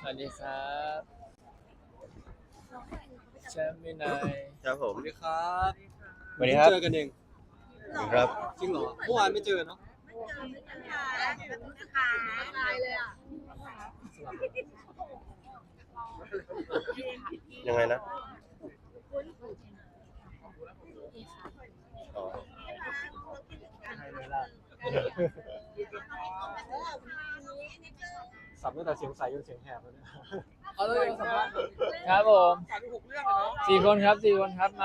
สวัสดีครับแชมป์วินัยครับผมสวัสดีครับสวัสดีครับเจอกันเองครับจริงเหรอเมื่อวานไม่เจอเนาะยังไงนะอ๋อสับตั้งแต่เสียงใสจนเสียงแหบแล้วเนี่ยเอาเลยสัมภาษณ์ครับผม4 คนครับ4 คนครับมา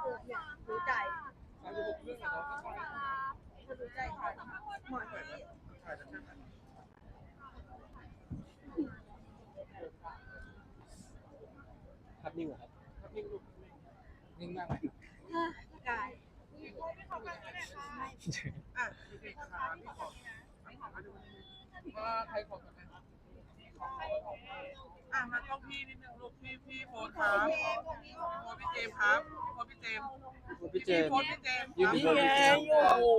ภาพนิ่งเหรอครับภาพนิ่งลูกนิ่งมากไหมมาเข้าพี่นิดนึงลูกพี่โฟนครับโฟนพี่เจมครับโฟนพี่เจมพี่เจมโฟนพี่เจมอยู่นี่ไงอยู่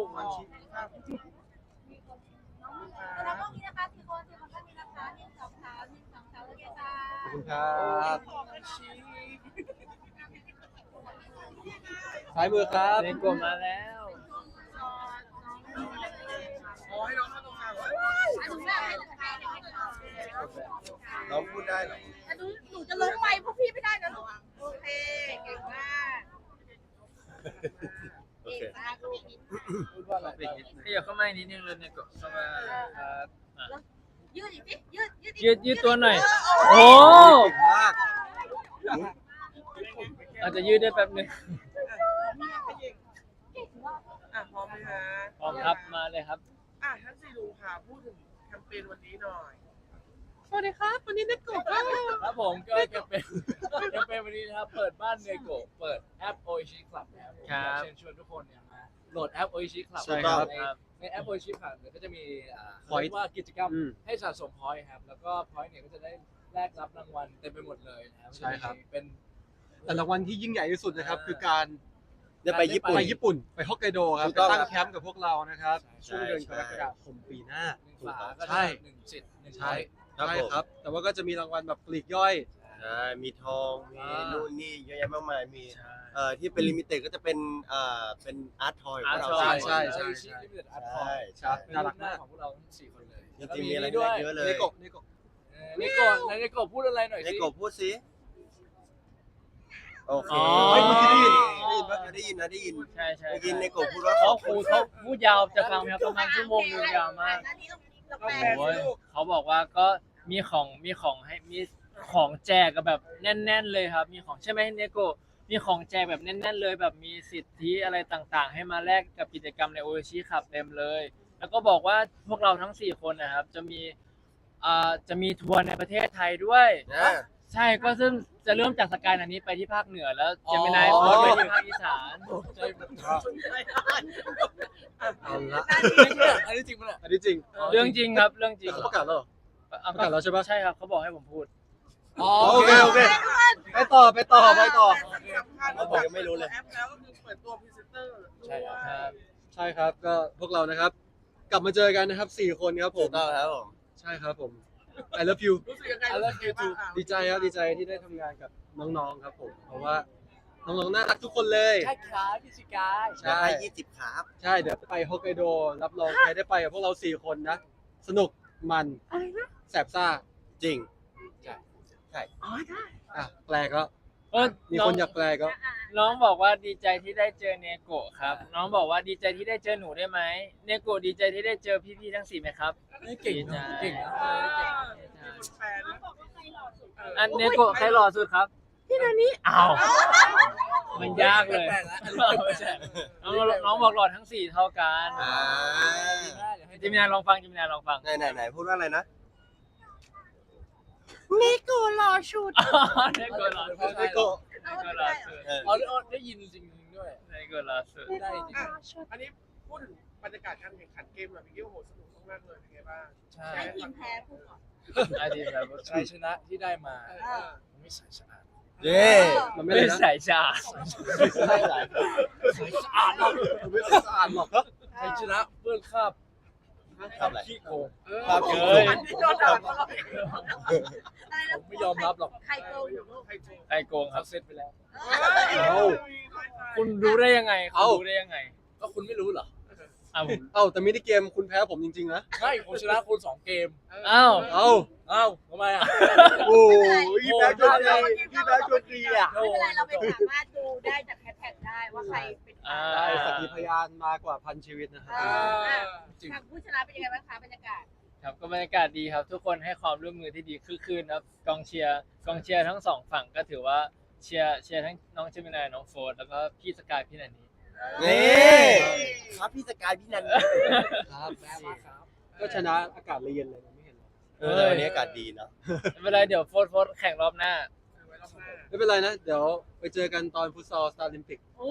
แล้วก็มีนะคะ4 คนก็มีนะคะ1 2 3 1 2 3โอเคค่ะขอบคุณครับซ้ายมือครับในกลุ่มมาแล้วขอให้น้องมาตรงกลางน้องพูดได้เหรอหนูจะลงไปพวกพี่ไม่ได้นะลูกโอเคเก่งมากโอเคพูดว่าอะไรขยับเข้ามาอีกนิดนึงเลยในกลุ่มเข้ามาครับอ่ะยืดอีกสิยืดยืดตัวหน่อยโอ้เก่งมากอาจจะยืดได้แป๊บนึงพร้อมไหมฮะพร้อมครับมาเลยครับท่านซีลุงค่ะพูดถึงแคมเปญวันนี้หน่อยสวัสดีครับวันนี้เนโกะครับผมก็จะเป็นวันนี้นะครับเปิดบ้านเนโกะเปิดแอป Oishi Club นะครับอยากเชิญชวนทุกคนเนี่ยมาโหลดแอป Oishi Club ใช่ครับในแอป Oishi Club เนี่ยก็จะมีเขาเรียกว่ากิจกรรมให้สะสมพอยต์ครับแล้วก็พอยต์เนี่ยก็จะได้แลกรับรางวัลเต็มไปหมดเลยนะครับใช่ครับเป็นแต่รางวัลที่ยิ่งใหญ่ที่สุดนะครับคือการได้ไปญี่ปุ่นไปญี่ปุ่นไปฮอกไกโดครับถูกไปต้องตั้งแคมป์กับพวกเรานะครับใช่ช่วงเดือนกรกฎาคมปีหน้า 1 ฝาก็ใช่ได้1 สิทธิ์1 ใช่ช้อยครับใช่ผมครับ แต่ว่าก็จะมีรางวัลแบบปลีกย่อยใช่มีทองมีนู่นนี่เยอะแยะมากมายมีใช่ที่เป็นลิมิเต็ดก็จะเป็นเป็นอาร์ตทอยของอาร์ตเราทอยใช่ใช่ลิมิเต็ดอาร์ตทอยใช่เป็นรูปหน้าของพวกเราทั้ง4 คนเลยจริงๆมีอะไรด้วยเยอะเลยเนโกะเนโกะเนโกะเนโกะพูดอะไรหน่อยในสิกบพูดสิโอเคอ๋อเฮ้ยเมื่อกี้ได้ยินปะได้ยินนะได้ยินใช่ใช่เมื่อกี้ในกบพูดว่าเขาพูดยาวจะฟังไหมครับประมาณชั่วโมงนึงยาวมากหน้านี้เราเราแปลแปลโอ้ยสิลูกเขาบอกว่าก็มีของให้มีของแจกกับแบบแน่น ๆ เลยครับ มีของใช่ไหมเนโกะมีของแจกแบบแน่น ๆ เลยแบบมีสิทธิอะไรต่างๆ ให้มาแลกกับกิจกรรมในโอชิขับเต็มเลย แล้วก็บอกว่าพวกเราทั้ง4 คนนะครับจะมีทัวร์ในประเทศไทยด้วยนะใช่ก็ซึ่งจะเริ่มจากสกายอันนี้ไปที่ภาคเหนือแล้วจะไม่นายโพสต์ไปที่ภาคอีสานเอาละอันนี้จริงปะเนี่ยอันนี้จริงเรื่องจริงครับเรื่องจริงเขาประกาศแล้วเหรอเอาประกาศแล้วใช่ปะใช่ครับเขาบอกให้ผมพูดโอเคโอเคไปต่อสำคัญนอกจากแอปแล้วก็คือเปิดตัวพรีเซนเตอร์ใช่ครับใช่ครับก็พวกเรานะครับ กลับมาเจอกันนะครับ4 คนครับผถูมกต้องครับผมใช่ครับผม I love you รู้สึกยังไงบ้างดีใจครับดีใจที่ได้ทำงานกับน้องๆครับผม เพราะว่าน้องๆน่ารักทุกคนเลยใช่ครับพี่สิกายอยากให้20ครับใช่เดี๋ยวไปฮอกไกโดรับรองใครได้ไปกับพวกเรา4 คนนะ สนุกมันแสบซ่าจริงอ่ะแปลก็ก็มีคนอยากแปลก็น้องบอกว่าดีใจที่ได้เจอเนโกะครับ น้องบอกว่าดีใจที่ได้เจอหนูได้ไหมเนโกะดีใจที่ได้เจอพี่ๆทั้ง4ไหมครับเก่งนะเก่งนะมีคนแปลนะอันเนโกะใครหล่อสุดครับพี่นานี่อ้าวมันยากเลยน้องบอกหล่อทั้ง4เท่ากันอ่าจิมินาลองฟังไหนพูดว่าอะไรนะเนโกะหล่อสุดเนโกะหล่อสุดเนโกะอ๋อได้ยินจริงด้วยเนโกะหล่อสุดได้จริงอันนี้พูดถึงบรรยากาศการแข่งขันเกมแบบพี่โอ้โหสนุกมากเลยเป็นไงบ้างใช่ได้ทีมแพ้พูดก่อนได้ทีมแบบชัยชนะที่ได้มาไม่ใส่สะอาดเย้มันไม่ไม่ได้นะใส่ชาไม่ได้สะอาดหรอกไม่ได้สะอาดหรอกชัยชนะเพื่อนคาบทำอะไรขี้โกงครับเอ้ยอันนี้โดนด่าตลอดอะไรยอมรับหรอกใครโกงอยู่ลูกใครโกงใครโกงคเขารับเซ็ตไปแล้วเอาคุณรู้ได้ยังไงคุณรู้ได้ยังไงก็คุณไม่รู้เหรออ้าวผมเอ้าแต่มินิเกมคุณแพ้ผมจริงๆนะใช่ผมชนะคุณ2 เกมอ้าวเอ้าอ้าวทำไมอ่ะโอ้ยพี่แบ๊กชวนดีพี่แบ๊กชวนดีอ่ะไม่เป็นไรเราไปสามารถดูได้จากแฮชแท็กได้ว่าใครเป็นใครได้สักขีพยานมากกว่า1,000 ชีวิตนะครัเอบ อทางผู้ชนะเป็นยังไงบ้างคะบรรยากาศครับก็บรรยากาศดีครับ ทุกคนให้ความร่วมมือที่ดีคือคืนครับกองเชียร์ทั้งสองฝั่งก็ถือว่าเชียร์ทั้งน้องเจมินายน้องโฟร์แล้วก็พี่สกายพี่นันนี่นี่ครับพี่สกายพี่นันครับแม่ว่าครับก็ชนะอากาศเลยเย็นเลยนะไม่เห็นหรอแต่วันนี้อากาศดีเนาะไม่เป็นไรเดี๋ยวโฟร์แข่งรอบหน้าไว้รอบหน้าไม่เป็นไรนะ เดี๋ยวไปเจอกันตอนฟุตซอลสตาร์ลิมปิกโอ้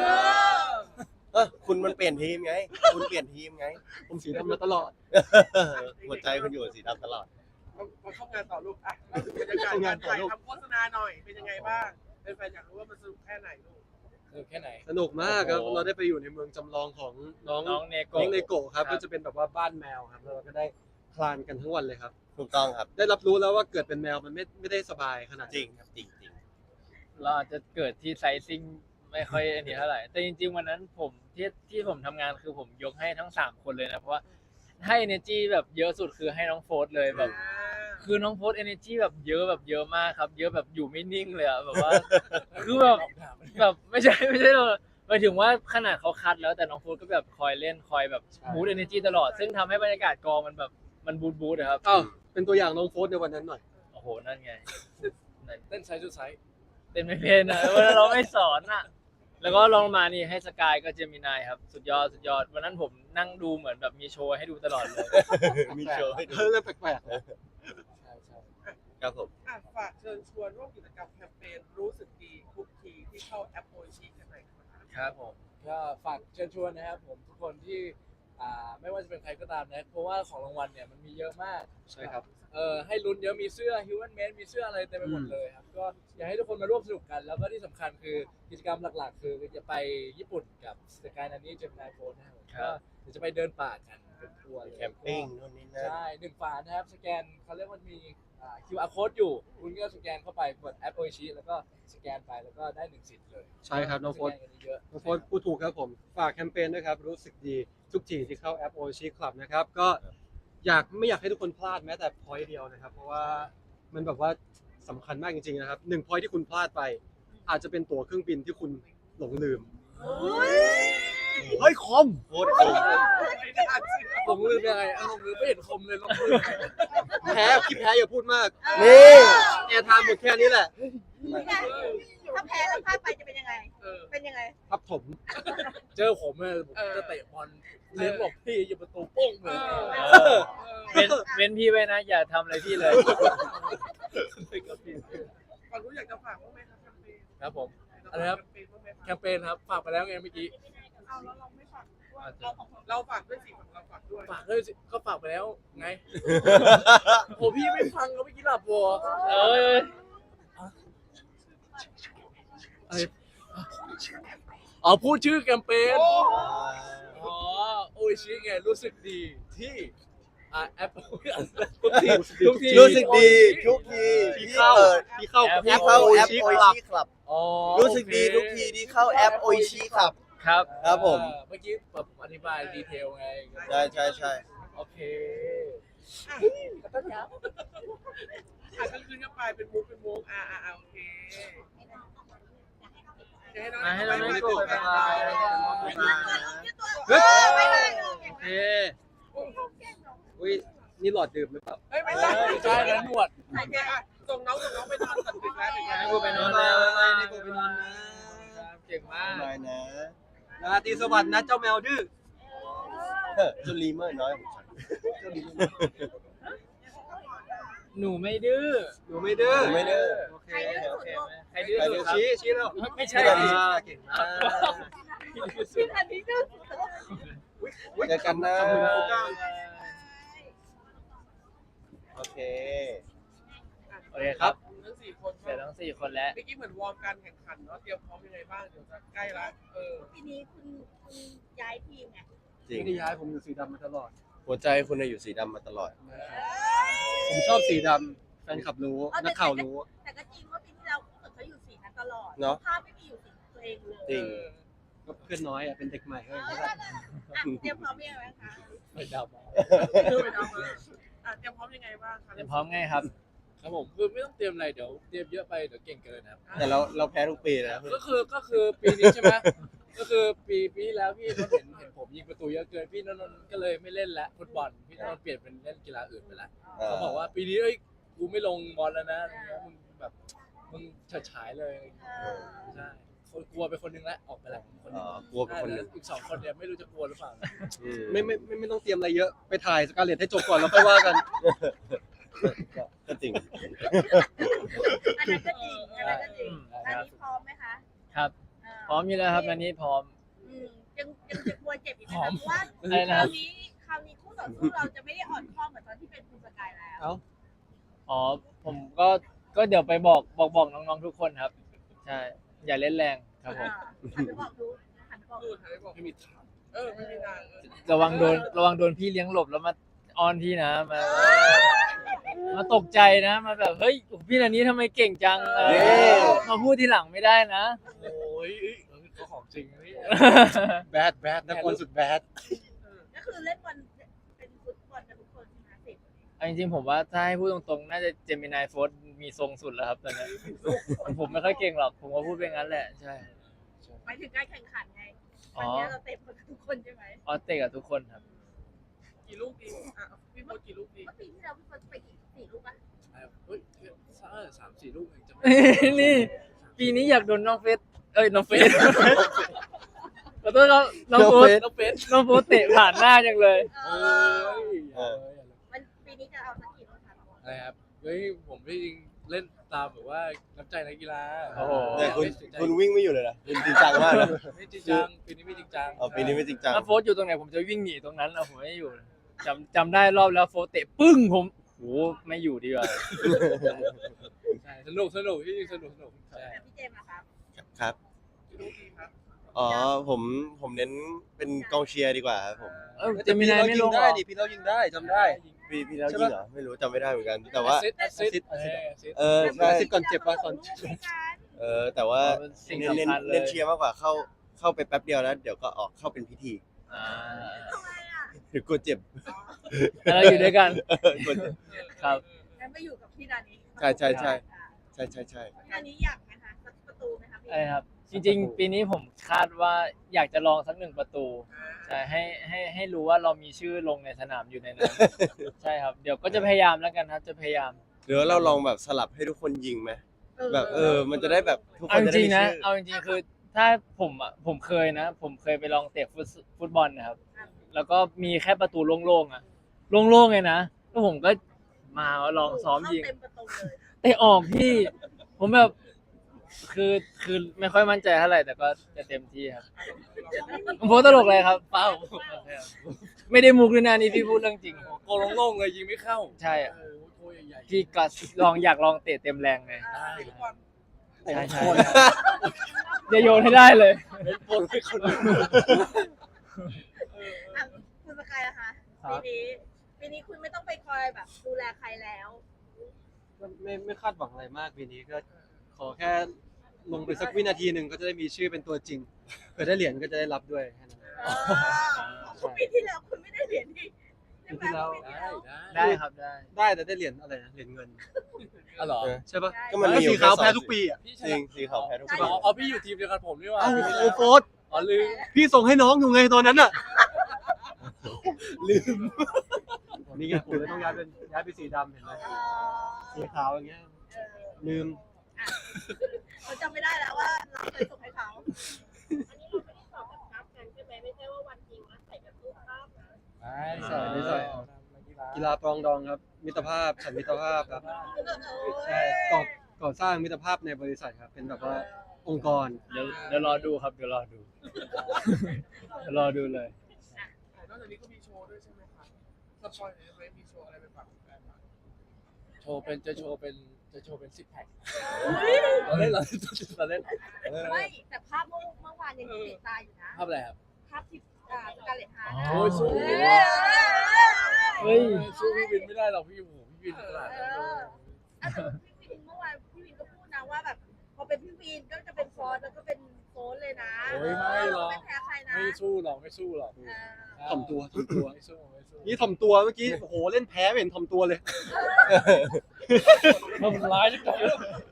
คุณมันเปลี่ยนทีมไง คุณเปลี่ยนทีมไงผมสีดำมาตลอดหัวใจคุณอยู่สีดำตลอดมาเข้างานต่อลูกอ่ะเล่าถึงบรรยากาศการถ่ายทำโฆษณาหน่อยเป็นยังไงบ้างเป็นแฟนอยากรู้ว่ามันสนุกแค่ไหนลูกคือแค่ไหนสนุกมากครับโอ้โหเราได้ไปอยู่ในเมืองจำลองของน้องน้องเนโกน้องเลโกะครับครับก็จะเป็นแบบว่าบ้านแมวครับแล้วเราก็ได้คลานกันทั้งวันเลยครับถูกต้องครับได้รับรู้แล้วว่าเกิดเป็นแมวมันไม่ได้สบายขนาดจรินี้งครับจริงจริงเราอาจจะเกิดที่ไซซิ่งไม่ค่อยอันนี้เท่าไหร่แต่จริงๆวันนั้นผมที่ผมทำงานคือผมยกให้ทั้ง3คนเลยนะเพราะว่าให้ energy แบบเยอะสุดคือให้น้องโฟร์เลยแบบ คือน้องโฟร์ energy แบบเยอะมากครับ เยอะแบบอยู่ไม่นิ่งเลยอะแบบว่า คือแบบไม่ใช่เราหมายถึงว่าขนาดเขาคัดแล้วแต่น้องโฟร์ก็แบบคอยเล่นคอยแบบบูต energy ตลอด ซึ่งทำให้บรรยากาศกองมันแบบมันบูทอะครับอ้าวเป็นตัวอย่างน้องโฟสในวันนั้นหน่อยโอ้โหนั่นไงเต้นไซส์จุดไซส์ เเต้นไม่เป็นอะเวลาเราไม่สอนอะแล้วก็ลองมานี่ให้สกายก็เจมินายครับสุดยอดวันนั้นผมนั่งดูเหมือนแบบมีโชว์ให้ดูตลอดเลยมีโชว์ให้ดูเรื่องแปลกๆนะใช่ใช่ครับผมอ่ะฝากเชิญชวนร่วมกิจกรรมแคมเปญรู้สึกดีทุกทีที่เข้าแอปโอชีกันหน่อยครับครับผมก็ฝากเชิญชวนนะครับผมทุกคนที่ไม่ว่าจะเป็นใครก็ตามนะเพราะว่าของรางวัลเนี่ยมันมีเยอะมากใช่ครับให้ลุ้นเยอะมีเสื้อ Human Made มีเสื้ออะไรเต็มไปหมดเลยครับก็อยากให้ทุกคนมาร่วมสนุกกัน แล้วก็ที่สำคัญคือกิจกรรมหลักๆ คือจะไปญี่ปุ่นกับสกายนันนี่เจมินายโฟนนะครับก็เดี๋ยวจะไปเดินป่ากันเป็นทัวร์เลยแคมปิ้งนู่นนี่นั่นใช่1 ฝานะครับสแกนเขาเรียกว่ามีQR code อยู่ คุณก็สแกนเข้าไปกดแอปโอชิแล้วก็สแกนไปแล้วก็ได้1 สิทธิ์เลยใช่ครับน้องโฟสสแกนกันเยอะน้องโฟสพูดถูกครับผม ฝากแคมเปญด้วยครับ รู้สึกดีทุกทีที่เข้าแอปโอชิคลับนะครับ ก็ไม่อยากให้ทุกคนพลาดแม้แต่พอยต์เดียวนะครับ เพราะว่ามันแบบว่าสำคัญมากจริงๆนะครับ1 พอยต์ที่คุณพลาดไป อาจจะเป็นตั๋วเครื่องบินที่คุณหลงลืม เฮ้ยคอมโคตรคุ้มลงลืมยังไงลงลืมไม่เห็นคมเลยลงลืมยังไงแพ้คิดแพ้อย่าพูดมากนี่แอร์ไทม์หมดแค่นี้แหละถ้าแพ้แล้วพลาดไปจะเป็นยังไง เป็นยังไงทับถมเจอผมเนี่ยผมจะเตะบอลเลี้ยงบอกพี่อยู่ประตูโป้งเลยเว้นพี่ไว้นะ อย่าทำอะไรพี่เลยก่อนรู้อยากจะฝากบ้างไหมครับแคมเปญครับผมอะไรครับแคมเปญบ้างไหมครับแคมเปญครับฝากไปแล้วไงเมื่อกี้เอาแล้วเราไม่ฝากด้วยเราฝากด้วยสิเราฝากด้วยฝากด้วยสิก็ฝากไปแล้วไงโหพี่ไม่ฟังก็เมื่อกี้หลับวัวเอ้ยอะไรอ๋อพูดชื่อแคมเปญอ๋อโออิชิไงรู้สึกดีที่แอปทุกทีรู้สึกดีทุกทีที่เข้าที่เข้าแอปโอชิคลับอ๋อรู้สึกดีทุกทีที่เข้าแอปโอชิคลับครับครับผมเมื่อกี้แบบผมอธิบายดีเทลไงใช่โอเคอ่ะก็คืนกันไปเป็นมุกโอเคให้น้องให้น้องไปกดไปเฮ้ยไปเลยโอเคอุ้ยนี่หลอดดื่มหรือเปล่าเฮ้ยไม่ใช่ใช่แล้วหนวดโอเคอ่ะส่งน้องไปนอนตัดดึกแล้วถึงแล้วให้กูไปนอนบ๊ายแล้วบายให้กูไปนอนนะเก่งมากได้นะราตรีสวัสดิ์นะเจ้าแมวดื้อจุลีเมอร์น้อยของฉันหนูไม่ดื้อหนูไม่ดื้อหนูไม่ดื้อโอเคโอเคไหมใครดื้อสุดครับชี้แล้วไม่ใช่เก่งมากชื่ออันนี้ดื้อเจอกันนะขอบคุณครูก้าวโอเคโอเคครับทั้ง4 คนเสร็จทั้ง4 คนแล้วเมื่อกี้เหมือนวอร์มการแข่งขันเนาะเตรียมพร้อมยังไงบ้างเดี๋ยวจะใกล้ละทีนี้คุณย้ายทีมไงจริงไม่ได้ย้ายผมอยู่สีดำมาตลอดหัวใจคุณอยู่สีดำมาตลอดผมชอบสีดำแฟนคลับรู้นักข่าวรู้แต่ก็จริงว่าปีที่แล้วเขาอยู่สีนั้นตลอดเนาะภาพไม่มีอยู่สีตัวเองเลยจริงก็เพื่อนน้อยอ่ะเป็นเด็กใหม่ก็อย่างนี้แหละเตรียมพร้อมยังไงบ้างคะไม่ดับคือไปทำมาเตรียมพร้อมยังไงบ้างคะเตรียมพร้อมไงครับครับผมคือไม่ต้องเตรียมอะไรเดี๋ยวเตรียมเยอะไปเดี๋ยวเก่งเกินครับแต่เราแพ้ทุกปีนะก็คือปีนี้ใช่ไหมก็คือปีที่แล้วพี่นนท์เห็นผมยิงประตูเยอะเกินพี่นนท์ก็เลยไม่เล่นละฟุตบอลพี่นนท์เปลี่ยนเป็นเล่นกีฬาอื่นไปละเขาบอกว่าปีนี้เอ้ยกูไม่ลงบอลแล้วนะอะไรเงี้ยมึงแบบมึงเฉิดฉายเลยใช่คนกลัวไปคนนึงแล้วออกไปแล้วคนนึงกลัวเป็นคนหนึ่งอีก2 คนเนี่ยไม่รู้จะกลัวหรือเปล่านะไม่ต้องเตรียมอะไรเยอะไปถ่ายสการ์เล็ตให้จบก่อนแล้วค่อยว่ากันก็จริงอันนั้นก็จริงอันนั้นก็จริงอันนี้พร้อมไหมคะครับ พร้อมอยู่แล้วครับอันนี้พร้อมยังจะกลัวเจ็บอีกไหมคะเพราะว่าอะไรนะคราวนี้คู่ต่อสู้เราจะไม่ได้อ่อนข้อเหมือนตอนที่เป็นคุณสกายแล้วอ๋อผมก็เดี๋ยวไปบอกน้องๆทุกคนครับ ใช่ อย่าเล่นแรงครับผมหันไปบอกดูหันไปบอกดูถ่ายบอกไม่มีทางไม่มีทางระวังโดนพี่เลี้ยงหลบแล้วมาออนพี่นะมาตกใจนะมาแบบเฮ้ยพี่นันนี้ทำไมเก่งจังมาพูดทีหลังไม่ได้นะโอ้ยเขาของจริงนี่แบดนักบอลสุดแบดก็คือเล่นบอลเป็นฟุตบอลกันทุกคนใช่ไหมสิเอาจริงๆผมว่าถ้าให้พูดตรงๆ น่าจะเจมินายโฟร์มีทรงสุดแล้วครับตอนนี้ผมไม่ค่อยเก่งหรอก ผมก็พูดไปงั้นแหละใช่หมายถึงการแข่งขันไงวันนี้เราเตะบอลกันทุกคนใช่ไหมออสเตะกับทุกคนครับกี่ลูกดีพี่โมกี่ลูกดีเมื่อปีที่เราพี่เฟิร์สไปกี่4 ลูกอะเฮ้ย3-4 ลูกเองจะนี่ปีนี้อยากโดนน้องเฟสน้องเฟสขอโทษครับน้องโฟสน้องเป็ดน้องโฟสเตะผ่านหน้าจังเลยโอ้ยวันปีนี้จะเอาสักกี่ลูกคะอะไรครับเฮ้ยผมจริงเล่นตามแบบว่าน้ำใจนักกีฬาโอ้โหแต่คุณวิ่งไม่อยู่เลยนะคุณจริงจังมากนะไม่จริงจังปีนี้ไม่จริงจังปีนี้ไม่จริงจังถ้าโฟสอยู่ตรงไหนผมจะวิ่งหนีตรงนั้นเอาผมไม่อยู่จำได้รอบแล้วโฟสเตะปึ้งผมโหไม่อยู่ดีกว่าใช่สนุกที่จริงสนุกใช่แต่พี่เจมส์อะครับครับกี่ลูกดีครับผมเน้นเป็นกองเชียร์ดีกว่าครับผมเจมินายไม่ลงหรได้อดิพี่เรายิงได้จำได้พี่แล้วยิงเหรอไม่รู้จำไม่ได้เหมือนกัน แต่ว่าแอสซิสใช่ซิดก่อนเจ็บป่ะก่อนแต่ว่าสิ่งเน้นสำคัญเลยเน้นเชียร์มากกว่าเข้าไปแป๊บเดียวแล้วเดี๋ยวก็ออกเข้าเป็นพิธีอ่าทำไมอะหรือกลัวเจ็บแล้วเราอยู่ด้วยกันกลัวเจ็บครับงั้นไปอยู่กับพี่นานี้ใช่ใช่อ่าใช่นานี้อยากไหมคะสักประตูไหมคะพี่อะไรครับ จริงๆ ปีนี้ผมคาดว่าอยากจะลองสัก1 ประตูใช่ให้รู้ว่าเรามีชื่อลงในสนามอยู่ในนั้น ใช่ครับ เดี๋ยวก็จะพยายามแล้วกันครับจะพยายามหรือว่าเราลองแบบสลับให้ทุกคนยิงไหมแบบมันจะได้แบบทุกคเอานจจะได้ริงมีๆนะชื่อเอาจริงๆคือถ้าผมเคยนะ ผมเคยไปลองเตะฟุตบอลนะครับ แล้วก็มีแค่ประตูโล่งๆอ่ะโล่งๆไงนะแล้วผมก็มาลองซ้อมยิงเข้าเต็มประตูเลยเตะออกพี่ ผมแบบคือไม่ค่อยมั่นใจเท่าไหร่แต่ก็จะเต็มที่ครับผมโพสต์ตลกเลยครับเป้าไม่ได้มุกเลยนะนี่พี่พูดเรื่องจริงโกลงโล่งเลยยิงไม่เข้าใช่อะโอ้โหโทใหญ่พี่ก็อยากลองเตะเต็มแรงไงเตะทุกวันใช่ใช่จะโยนให้ได้เลยเป็นโปรให้คนอื่นอ่ะคุณสกายนะคะปีนี้คุณไม่ต้องไปคอยแบบดูแลใครแล้วไม่คาดหวังอะไรมากปีนี้ก็ขอแค่ลงไปสักวินาทีหนึ่งก็จะได้มีชื่อเป็นตัวจริงเผื่อได้เหรียญก็จะได้รับด้วยแค่นั้นปีที่แล้วคุณไม่ได้เหรียญที่ใช่ไหมปีที่แล้วได้ครับได้ได้แต่ได้เหรียญอะไรนะเหรียญเงินอ๋อเหรอใช่ปะก็มันมีอยู่สีขาวค่แพ้ 2 ทุกปีอ่ะพี่จริงสีขาวแพ้ทุกปีอ๋อพี่อยู่ทีมเดียวกันผมนี่หว่าเอ้าปีที่โอ้แล้วโฟร์อ๋อลืมพี่ส่งให้น้องอยู่ไงตอนนั้นอ่ะลืมนี่ไงผมเลยต้องย้ายไปสีดำเห็นไหมสีขาวอย่างเงี้ยลืมเขาจำไม่ได้แล้วว่าเราเคยส่งให้เขา อันนี้เราไม่ได้สอบแบบนับกันใช่ไหมไม่ใช่ว่าวันจริงนะใส่แบบรูปภาพนะไม่ใส่กีฬาปรองดองครับ มิตรภาพฉันมิตรภาพครับใช่ก่อสร้างมิตรภาพในบริษัทครับ เป็นแบบว่าองค์กรเดี๋ยวรอดูครับเดี๋ยวรอดูเดี๋ยวรอดูเลยนอกจากนี้ก็มีโชว์ด้วยใช่ไหมครับสปอยล์ไหมมีโชว์อะไรไปฝากแฟนบ้างจะโชว์เป็นซิกแพคเราเล่นไม่แต่ภาพเมื่อวานยังติดตาอยู่นะภาพอะไรครับภาพที่สการ์เล็ตฮาร์โอ้ยสู้เฮ้ยสู้พี่วินไม่ได้หรอกพี่โอ้โหพี่วินขนาดนั้นเลยพี่วินเมื่อวานพี่วินก็พูดนะว่าแบบพอเป็นพี่วินก็จะเป็นฟอสแล้วก็เป็นโฟนเลยนะโอ้ยไม่หรอกไม่แพ้ใครนะไม่สู้หรอกไม่สู้หรอกเออถ่อมตัวถ่อมตัวไม่สู้ไม่สู้นี่ถ่อมตัวเมื่อกี้โอ้โหเล่นแพ้ไม่เห็นถ่อมตัวเลยทำร้ายจังเลย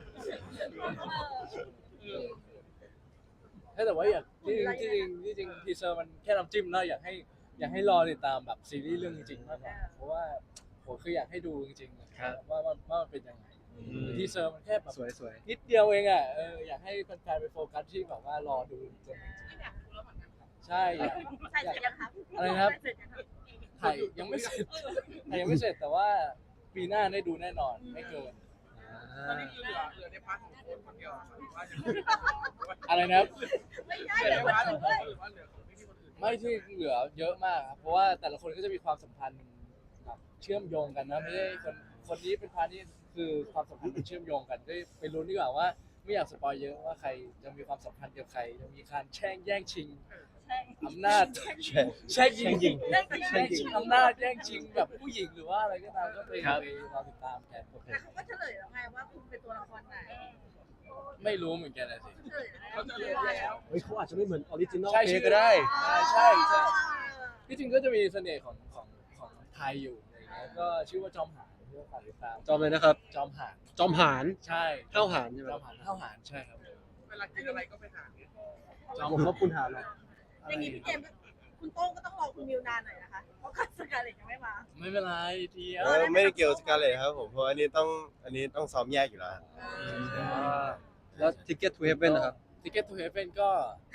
แต่ว่าอยากที่จริงทีเซอร์มันแค่น้ำจิ้มเนาะอยากให้รอติดตามแบบซีรีส์เรื่องจริงๆมากกว่าเพราะว่าผมคืออยากให้ดูจริงๆครับว่ามันเป็นยังไงทีเซอร์มันแค่แบบสวยสวยนิดเดียวเองอ่ะอยากให้แฟนๆไปโฟกัสที่แบบว่ารอดูจนใช่อยากใช่เสร็จยังครับอะไรนะครับใส่เสร็จยังครับถ่ายยังไม่เสร็จถ่ายยังไม่เสร็จแต่ว่าปีหน้าได้ดูแน่นอนไม่เกินตอนนี้คือเหลือในพาร์ทของคนเดียวหรือว่าจะอะไรนะครับไม่ใช่เหลืเดี๋อยวในคนพาร์ทขอื่องนคด้วยนหรือว่าเหลือของพี่คนอื่นไม่ที่เหลือเยอะมากครับเพราะว่าแต่ละคนก็จะมีความสัมพันธ์แบบเชื่อมโยงกันนะไม่ใช่คนนี้เป็นพาร์ทนี้คือความสัมพันธ์มันเชื่อมโยงกันได้ไปลุ้นดีกว่าว่าไม่อยากสปอยเยอะว่าใครจะมีความสัมพันธ์กับใครจะมีการแย่งชิงใช่อำนาจแช่งยิงเรื่องแย่งชิงอำนาจแย่งชิงแบบผู้หญิงหรือว่าอะไรก็ตามก็ไปครับรอติดตามกันแต่เขาก็เฉลยแล้วไงว่าคุณเป็นตัวละครไหนไม่รู้เหมือนกันนะสิเฉลยเขาจะเลือกแล้วเฮ้ยเขาอาจจะไม่เหมือนออริจินอลใช่เพชื่อก็ได้ใช่ที่จริงก็จะมีเสน่ห์ของไทยอยู่อะไรอย่างเงี้ยก็ชื่อว่าจอมหานที่ว่าฝากติดตามจอมเลยนะครับจอมหานจอมหานใช่ห้าวหานใช่ไหมจอมหานห้าวหานใช่ครับเวลากินอะไรก็ไปหาเนี่ยผมว่าคุณหานนะอย่างนี้พี่เจมส์คุณโต้งก็ต้องรอคุณมิวนานหน่อยนะคะ เพราะคัสการ์เล็ตยังไม่มาไม่เป็นไรทีไม่ได้เกี่ยวกับสกาเลตครับผมเพราะอันนี้ต้องซ้อมแยกอยู่แล้วแล้ว Ticket to Heaven นะครับทิเก็ตทูเฮเ e นก็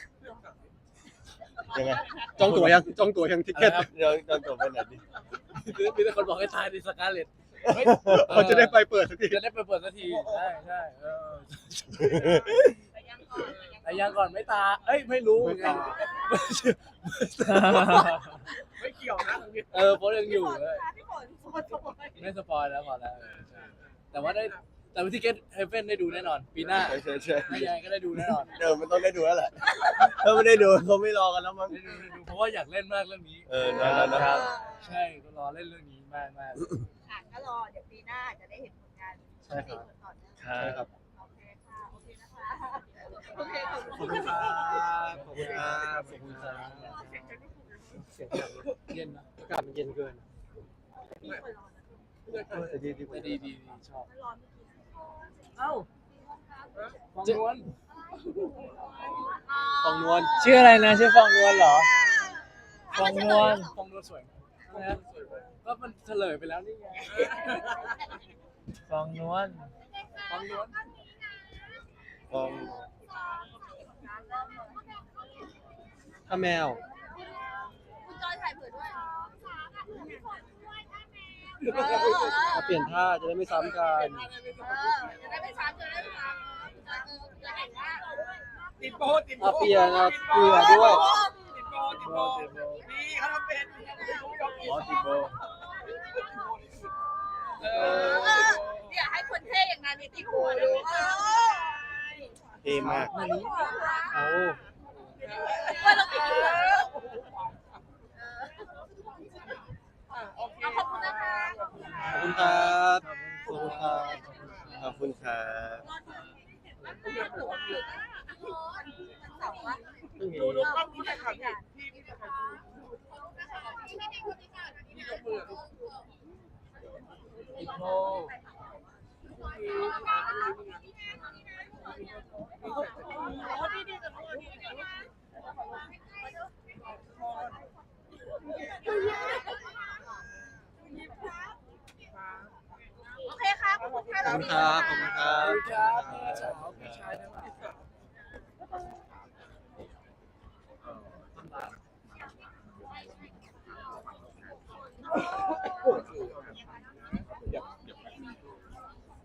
ยังไงจองตั๋วยังจองตั๋วยัง Ticket อะไรครับเดี๋ยวตอนจบไปไหนดิมีแต่คนบอกให้ทายดิสกาเลตเขาจะได้ไปเปิดสักทีจะได้ไปเปิดสักทีใช่ไปยังก่อนแต่ยังก่อนไม่ตาเอ้ยไม่รู้เหมือนกันไม่เกี่ยวนะตรงนี้โพสยังอยู่พี่ฝนเลยพี่ฝนสปอยไม่สปอยแล้วพอแล้วใช่แต่ว่าทิเก็ตเฮเ e นได้ดูแน่นอน ปีหน้าใช่ไม่ยังไงก็ได้ดูแน่นอนมันต้องได้ดูแล้วแหละ ถ้าไม่ได้ดูเขาไม่รอกันแล้วมั้งได้ดูเพราะว่าอยากเล่นมากเรื่องนี้นะครับใช่ก็รอเล่นเรื่องนี้มากค่ะก็รอเดี๋ยวปีหน้าจะได้เห็นผลงานใช่ครับต่อเนื่องครัใช่บครับโอเคค่ะ โอเคนะคะ โอเคขอบขอบคุคุณ ณค่ะครับขอบคุณครับขอบคุณครับเสียงจะไม่ถูกเลยเสียงแบบๆเย็นนะอากาศมันเย็นเกินพี่คนรอนะแต่ดีดีกว่าดีชอบไม่รอไม่กินเอ้าฟองนวลฟองนวลชื่ออะไรนะชื่อฟองนวลเหรอ ฟองนวลฟองนวลสวยไหมนะก็มันเฉลยไปแล้วนี่ไงฟองนวลฟองนวลฟองถ้าแมวคุณจอยถ่ายเผื่อด้วยมาเปลี่ยนท่าจะได้ไม่ซ้ำกันจะได้ไม่ซ้ำจะได้ไม่ซ้ำจะเห็นว่าติดโบติดโบอ่ะเปลี่ยนอ่ะเปลี่ยนด้วยติดโบนี่เขาทำเป็นมอติโบเนี่ยให้คนเท่อย่างนั้นมีติดหัวดูเท่มากเอาว่าเราไปดูขอบคุณนะคะขอบคุณครับขอบคุณครับขอบคุณครับดูกล้องที่ถ่ายทำที่พี่ถ่ายทำที่ยกมืออีโคโอเคครับขอบคุณค่ะขอบคุณครับขอบคุณครัขอบ บคุณครับพี่สาวพี่ชายทั้งหลาย